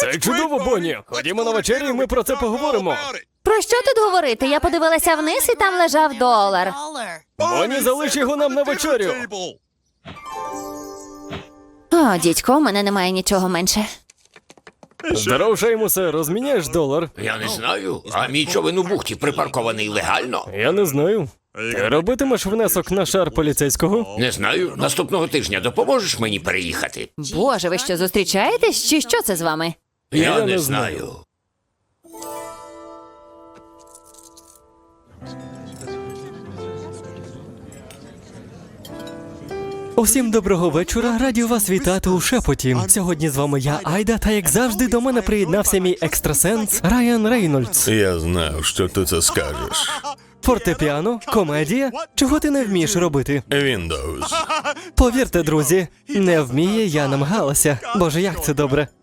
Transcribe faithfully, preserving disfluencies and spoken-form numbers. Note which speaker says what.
Speaker 1: Це чудово, Бонні. Ходімо на вечерю, і ми про це поговоримо.
Speaker 2: Про що тут говорити? Я подивилася вниз, і там лежав долар.
Speaker 1: Бонні, залиш його нам на вечерю.
Speaker 2: О, дідько, у мене немає нічого менше.
Speaker 1: Здоров, Шеймусе, розміняєш долар?
Speaker 3: Я не знаю. А мій човен у бухті припаркований легально?
Speaker 1: Я не знаю. Ти робитимеш внесок на шар поліцейського?
Speaker 3: Не знаю. Наступного тижня допоможеш мені переїхати?
Speaker 2: Боже, ви що, зустрічаєтесь? Чи що це з вами?
Speaker 3: Я,
Speaker 1: Я
Speaker 3: не,
Speaker 1: не
Speaker 3: знаю.
Speaker 1: Усім доброго вечора, раді вас вітати у Шепоті. Сьогодні з вами я, Айда, та як завжди до мене приєднався мій екстрасенс Райан Рейнольдс.
Speaker 4: Я знав, що ти це скажеш.
Speaker 1: Фортепіано, комедія, чого ти не вмієш робити?
Speaker 4: Windows.
Speaker 1: Повірте, друзі, не вміє, я намагалася. Боже, як це добре.